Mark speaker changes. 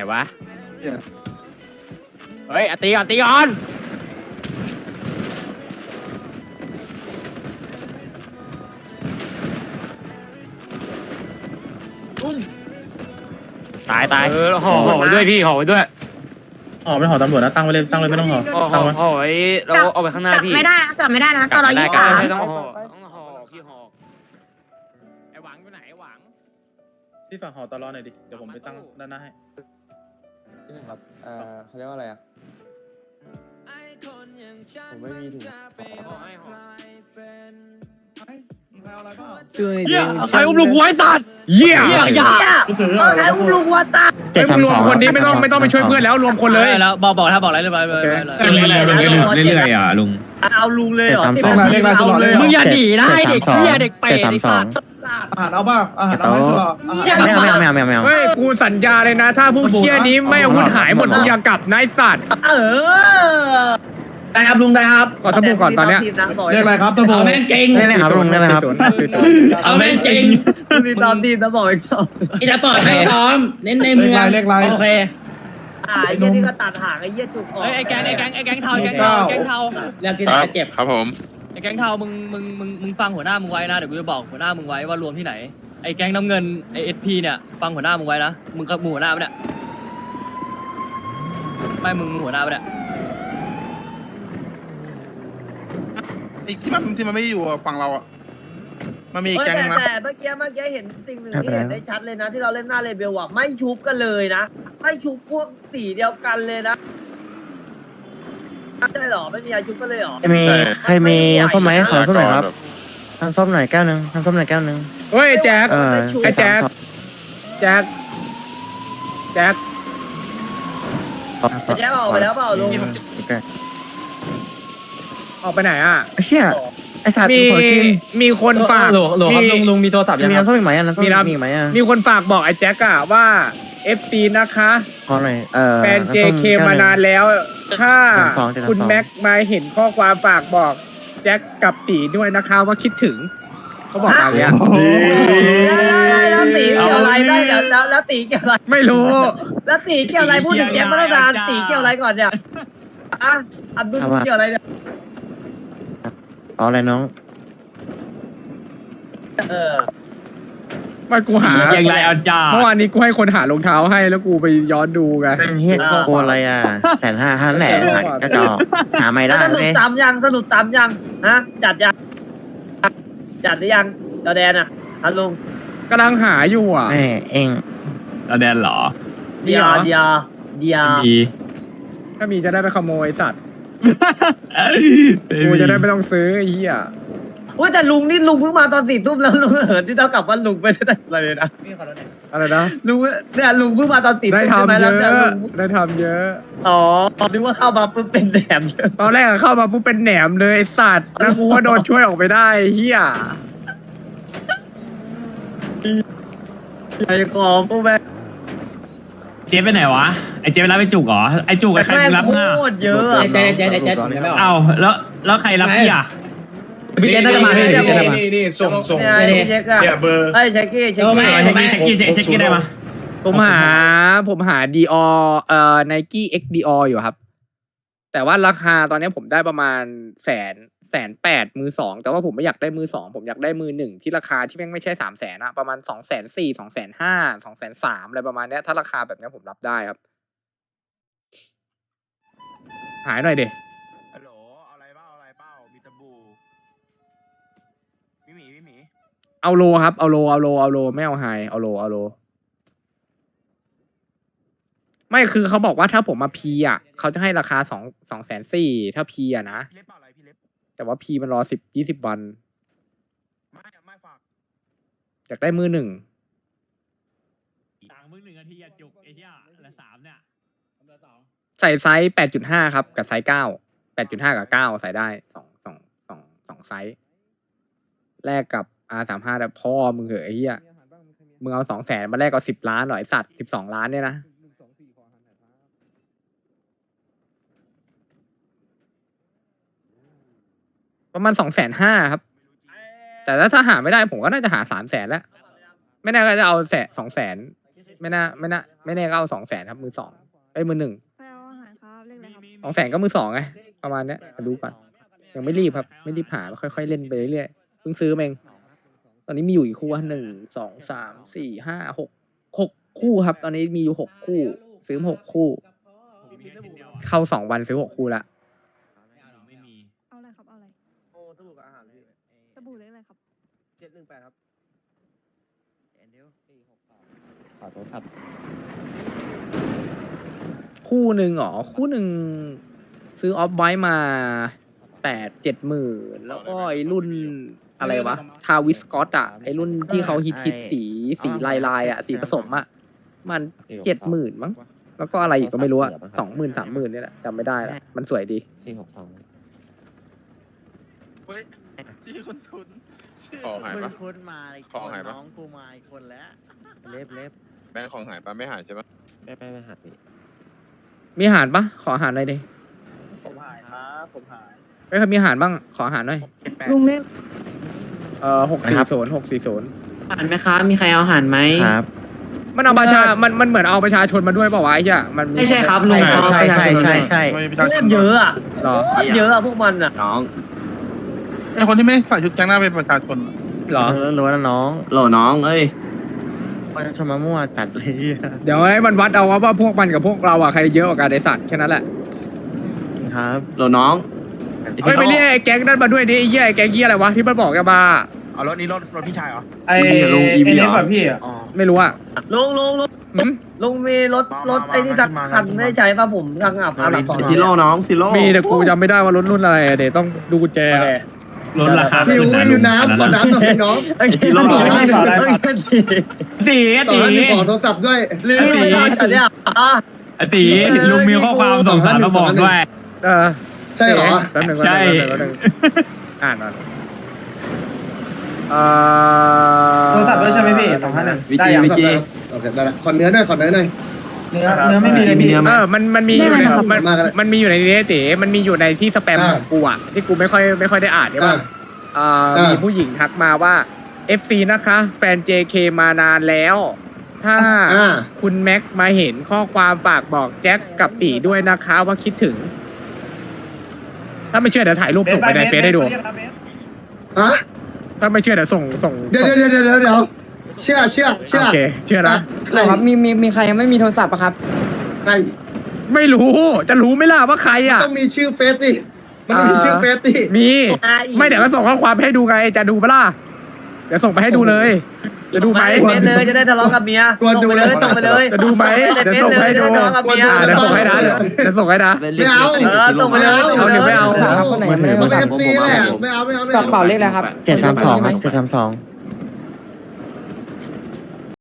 Speaker 1: วะเฮ้ยตีก่อนตีก่อนตายห่อด้วยพี่ห่อด้วย
Speaker 2: ห่อเป็นห่อตำรวจนะตั้งไว้เลยตั้งเลยไม่ต้องห่อตั้งไว้
Speaker 1: ห่อไว้เราเอาไปข้างหน้าพี่
Speaker 3: ไม่ได้นะจับไม่ได้นะตอนเรา23
Speaker 1: ต้องห่อพี่ห่อไอหวังอยู่ไหนหวัง
Speaker 2: พี่ฝากห่อตลอดหน่อยดิเดี๋ยวผมไปตั้งด้านหน้าให้
Speaker 4: นี่ครับเขาเรียกว่าอะไรอ่ะผมไม่มีถุง
Speaker 1: ใครอุ้มลูกวัวไอ้สัตว์เหี้ย
Speaker 3: ใครอุ้มลูกวัวตา
Speaker 1: รวมคนนี้ไม่ต้องไปช่วยเพื่อนแล้วรวมคนเลย
Speaker 5: แล้วบอกถ้าบอกอะไรเรียบร้อยเลย
Speaker 1: เรื่อยๆอ่ะลุง
Speaker 3: เอาลุงเลยเหรอ
Speaker 1: มึงอย่าหนีนะไอเด็กเหี้ยเด็กเปรตไอ้สัตว์
Speaker 2: อาหารเอาบ้างอาหารเอาไหมตลอด
Speaker 1: ไม่เฮ้ยกูสัญญาเลยนะถ้าพวกเหี้ยนี้ไม่อาวุธหายหมดมึงอย่ากลับนายสัตว์
Speaker 3: ได้ครับลุงได้ครับ
Speaker 1: ขอสบู่ก่อนตอนเนี้ย
Speaker 2: เรียกอะไรครับสบู่
Speaker 3: แม่งเก่ง
Speaker 2: ได้เลยครับลุงได้เลยครับ
Speaker 3: เอาแม่งเก่งมีตอนทีมนะบอกอีกสองอีจะปล่อยให้ซ้อมเน้นในเมือง
Speaker 2: เรียกไร
Speaker 3: โอเคไอ้เหี้ยนี่ก็ตัดหางไอ้เหี้ยจุกออก
Speaker 5: ไอ้แก๊งเทาแก๊งเทา
Speaker 3: แล้วที่ไหนเจ็บ
Speaker 6: ครับผม
Speaker 5: ไอ้แก๊งเทามึงฟังหัวหน้ามึงไว้นะเดี๋ยวกูจะบอกหัวหน้ามึงไว้ว่ารวมที่ไหนไอ้แก๊งน้ำเงินไอ้SPเนี่ยฟังหัวหน้ามึงไว้นะมึงกับหัวหน้าปะเนี่ยไม่มึงหัวหน้าปะเนี่ย
Speaker 6: ไอ้ที่มันไม่อยู่ฝั่งเราอ่ะมันมีแก๊งนะ
Speaker 3: แต่เมื่อกี้เห็นสิ่งหนึ่งที่เห็นได้ชัดเลยนะที่เราเล่นหน้าเลเบลอ่ะไม่ชุบกันเลยนะไม่ชุบพวกสีเดียวกันเลยนะใช่หรอไม่มีใครชุบกันเลยหรอ
Speaker 4: ใครมีส้มไหมขอส้มหน่อยครับทำส้มหน่อยแก้วนึงทำส้มหน่อยแก้วนึง
Speaker 1: เฮ้ยแจ็คไอ้แจ็คแจ็ค
Speaker 3: ออกไปแล้วเปล่าลุง
Speaker 1: ออกไปไหนอ่ะ
Speaker 4: เฮียไอสัตว์
Speaker 1: มีคนฝาก
Speaker 5: ลุงมีโทรศัพท์ยัง
Speaker 4: มีน้ำส้มอีกไหมน้ำส้มมีไหม
Speaker 1: มีคนฝากบอกไอ้แจ็คอะว่า FC นะคะ
Speaker 4: ขอหน่อย
Speaker 1: แฟน JK มานานแล้วถ้าคุณแม็กมาเห็นข้อความฝากบอกแจ็คกับตีด้วยนะคะว่าคิดถึงเขาบอกอะไรอ่ะ
Speaker 3: แล้วตีเกี่ยวอะไรได้เดี๋ยวแล้วตีเกี่ยวอะไร
Speaker 1: ไม่รู้
Speaker 3: แล้วตีเกี่ยวอะไรพูดถึงแจ็คมาตั้งนานตีเกี่ยวอะไรก่อนเนี่ยอับดุลเกี่ยวอะไรเนี่ย
Speaker 4: เอาอะไรน้อง
Speaker 1: ไม่กูหา
Speaker 5: อย่างไรอาจารย์
Speaker 1: เมื่อวานนี้กูให้คนหารองเท้าให้แล้วกูไปย้อนดูไง
Speaker 4: เป็นเฮียโกอะไรอ่ะ150,000แหละก็จะหาไม่ได้
Speaker 3: สนุกตามยังฮะจัดหรือยังจอแดนอ่ะฮัลโหล
Speaker 1: กำลังหาอยู่อ่ะ
Speaker 4: เอง
Speaker 5: จอแดนเหรอ
Speaker 3: เดีย
Speaker 1: ถ้ามีจะได้ไปขโมยสัตว์กูจะได้ไม่ต้องซื้อไอ้เหี้ย
Speaker 3: ว่าแต่ลุงนี่ลุงเพิ่งมาตอน4 ทุ่มแล้วลุงเหินที่เท่ากับว่าลุงไม่ได้อะไรเลยนะ
Speaker 1: อะไรนะ
Speaker 3: ลุงเนี่ยลุงเพิ่งมาตอน4 ทุ่ม
Speaker 1: ได้ทำเยอะได้ทำเยอะ
Speaker 3: นึกว่าเข้ามาปุ๊บเป็นแหนม
Speaker 1: ตอนแรกเข้ามาปุ๊บเป็นแหนมเลยไอ้สัตว์แล้วกูก็โดนช่วยออกไปได้เหี้ย
Speaker 3: ไอ้ของพวกแม่
Speaker 5: เจ๊ไปไหนวะไอเจ๊ไปรับไอจุกเหรอไอจุกกับใครรับหน้า
Speaker 3: โคตรเยอะ
Speaker 5: เจ๊เอาแล้วใครรับพี่อ่ะ
Speaker 1: พี่เจ๊น่าจะมา
Speaker 6: นี่ส่งเนี่ยเบอร์
Speaker 3: เช็คกี้
Speaker 5: ได้ปะ
Speaker 1: ผมหาDior Nike X Dior อยู่ครับแต่ว่าราคาตอนนี้ผมได้ประมาณ180,000มือ2แต่ว่าผมไม่อยากได้มือ2ผมอยากได้มือ1ที่ราคาที่แม่งไม่ใช่300,000อะประมาณ240,000 250,000 230,000อะไรประมาณนี้ถ้าราคาแบบนี้ผมรับได้ครับหายหน่อยดิ
Speaker 6: ฮัลโหลอะไรเปล่ามีตะบูพี่หมี
Speaker 1: เอาโลครับเอาโลไม่เอาไฮเอาโลไม่คือเขาบอกว่าถ้าผมมาพีอ่ะเขาจะให้ราคา240,000ถ้าพีอ่ะนะแต่ว่าพีมันรอ10-20 วัน
Speaker 6: ไม่ฝาก
Speaker 1: อยากได้มือ1
Speaker 5: ต่างมือ1นาทีจุกเอเชียละ3เนี่ย
Speaker 1: ใส่ไซส์8.5ครับกับไซส์9 8.5 กับ9ใส่ได้2ไซส์แลกกับ R35 แต่พ่อมึงเหอะไอ้เหี้ยมึงเอา200,000มาแลกกับ10 ล้านหน่อยสัตว์12 ล้านเนี่ยนะประมาณ250,000ครับแต่ถ้าหาไม่ได้ผมก็น่าจะหา300,000แล้วไม่แน่ก็จะเอา200,000 ไม่แน่ก็เอา200,000ครับมือสองมือหนึ่ง
Speaker 7: ไปเอาอาหารครับเรียกอะไรครับ
Speaker 1: 200,000ก็มือสองไงประมาณเนี้ยมาดูก่อนยังไม่รีบครับไม่รีบหาค่อยๆเล่นไปเรื่อยๆเพิ่งซื้อมาเองตอนนี้มีอยู่กี่คู่วะ1 2 3 4 5 6คู่ครับ ตอนนี้มีอยู่6คู่ซื้อมา6คู่ เข้า2 วันซื้อ6คู่ละ
Speaker 7: เอาอะไรครับเอาอะไร
Speaker 3: โอ้สบู่กับอาหารพี่
Speaker 7: สบู่เรียกอะไรครับ
Speaker 3: 718ครับ
Speaker 4: ขอโทรศัพท์
Speaker 1: คู่หนึ่งอ๋อคู่หนึ่งซื้อออฟไว้มา70,000แล้วก็ไอ้รุ่นอะไรวะทาวิสกอตอะไอ้รุ่นที่เขาฮิตสีลายอะสีผสมอะมัน70,000มั้งแล้วก็อะไรอีกก็ไม่รู้อะ20,000 30,000นี่แหละจำไม่ได้ละมันสวยดี
Speaker 6: เฮ้ยชื่อคุณชื่อ
Speaker 8: ของหายปะ
Speaker 4: คุณมาอีก
Speaker 8: ของหายปะ
Speaker 4: น้องกูมาอีกคนแล้วเล็บ
Speaker 8: แบงค์ของหายปะไม่หายใช่ปะ
Speaker 4: ไม่หักดิ
Speaker 1: มีอาหารปะขออาหารหน่อยดิ
Speaker 2: ผมหายครับผมหาย
Speaker 1: ไม่เคยมีอาหารบ้างขออาหารหน่อย
Speaker 7: ลุงเรียก
Speaker 1: 640
Speaker 9: อาหารไหมครับ มีใครเอาอาหารไหม
Speaker 4: ครับ
Speaker 1: มันเอาประชามันเหมือนเอาประชาชนมาด้วยเปล่าวะไอ้เหี้ยมัน
Speaker 9: ไม่ใช่ครับลุง
Speaker 4: ใช่ใช่ใช่ใช่
Speaker 6: ไม่มี
Speaker 3: โคตรเยอะอ่ะ
Speaker 1: หรอ
Speaker 3: โคตรเยอะอ่ะพวกมันอ่ะ
Speaker 9: น้อง
Speaker 6: ไอคนที่ไม่ใส่ชุดแก๊งหน้าเป็นประชาชนอะ
Speaker 1: หรอ
Speaker 4: รู้แล้วน้อง
Speaker 9: โหลน้องเอ้ย
Speaker 4: ประชาชนมามั่วจัดเลย
Speaker 1: เดี๋ยวให้มันวัดเอาว่าพวกมันกับพวกเราอะใครเยอะกว่ากันไอสัตว์แค่นั้นแหละ
Speaker 4: ครับ
Speaker 9: โหลน้อง
Speaker 1: เฮ้ยไปเรียกไอ้แก๊งนั่นมาด้วยดิไอ้เหี้ยไอ้แก๊งเหี้ยอะไรวะที่มันบอกกันมา
Speaker 6: เอารถนี้รถพี่ชายเหรอ
Speaker 2: ไอ้
Speaker 9: ลุง EV
Speaker 2: ไอ้เล็บ
Speaker 9: เหรอ
Speaker 2: แบบพี่อะ
Speaker 1: ไม่รู้อะ
Speaker 3: ลุง
Speaker 1: หืม
Speaker 3: ลุงมีรถไอ้นี่สักคันไม่ใช้ป่ะผมทางอับอันดับสอง
Speaker 9: ซิโร่น้องซิโร่
Speaker 1: มีแต่กูจำไม่ได้ว่ารถรุ่นอะไรอะเดี๋ยวต้องดูกุญแจอะ
Speaker 2: ลดราคา
Speaker 10: หิวอยู่น้ำขอน้ำหน่อยน้อง
Speaker 3: ไอ้ที่เราบอกว่าตี
Speaker 10: ต่อให้มีขอโทรศัพท์ด้วย
Speaker 3: ลืมไปแล้วแต่เนี่ยอ่ะ
Speaker 2: ตีลุงมีข้อความส่งสารมาบอกด้วย
Speaker 1: เออ
Speaker 10: ใช่เหรอ
Speaker 1: แป๊บหนึง
Speaker 2: ใช่
Speaker 1: แป๊บหนึงอ่านก่อน
Speaker 2: โทรศัพท์ด้วยใช่ไหมพี่251ได้ยัง
Speaker 9: วิจี
Speaker 10: โอเคได้ละขอเนื้อหน่อยขอเนื้อหน่อย
Speaker 2: เนื้อไม่มีเลยพี่
Speaker 1: มันมีอยู่ใน
Speaker 10: ได้ครับ
Speaker 1: มันมีอยู่ในนี้เต๋มันมีอยู่ในที่สแปม
Speaker 10: อ่า
Speaker 1: ของกูอะที่กูไม่ค่อยได้อ่านใช่ป่ะ มีผู้หญิงทักมาว่า FC นะคะ แฟน JK มานานแล้ว ถ้า
Speaker 10: อ่า
Speaker 1: คุณแม็กมาเห็นข้อความฝากบอกแจ็คกับตีด้วยนะคะว่าคิดถึง ถ้าไม่เชื่อเดี๋ยวถ่ายรูปส่งไปในเฟซให้ดู
Speaker 10: ฮะ
Speaker 1: ถ้าไม่เชื่อเดี๋ยวส่ง
Speaker 10: เดี๋ยวเชื่อ
Speaker 1: โอเคเชื่อนะ
Speaker 9: ครับมีใครยังไม่มีโทรศัพท์ปะครับ
Speaker 10: ใคร
Speaker 1: ไม่รู้จะรู้ไหม่ล่ะว่าใครอ่ะ
Speaker 10: ต้องมีชื่อเฟซดิมันต้องมีชื่อเฟซดิ
Speaker 1: มีไม่เดี๋ยวก็ส่งข้อความให้ดูไงจะดูปะล่ะเดี๋ยวส่งไปให้ดูเลย จะดูไหม
Speaker 3: เฟซเลยจะได้ทะเลาะกับเมียส่งไปเลยส่งไปเลย
Speaker 1: จะดูไหมเดี๋ยวส่งให้ดู
Speaker 3: จะได้ทะเลาะกับเมีย
Speaker 1: เดี๋ยวส่งให้นะเดี๋ยวส่งให้นะ
Speaker 10: ไม่เอา
Speaker 3: ส่งไปเลย
Speaker 1: เอาหรือไม่เอา
Speaker 9: ครับคนไหนยังไม่ได้โทร
Speaker 10: มัน
Speaker 9: ศัพ
Speaker 10: เอ
Speaker 9: ท์
Speaker 10: ฟซีแหละไม่เอา
Speaker 9: กระเป๋าเลขอะไรครับ
Speaker 4: 732ครับ732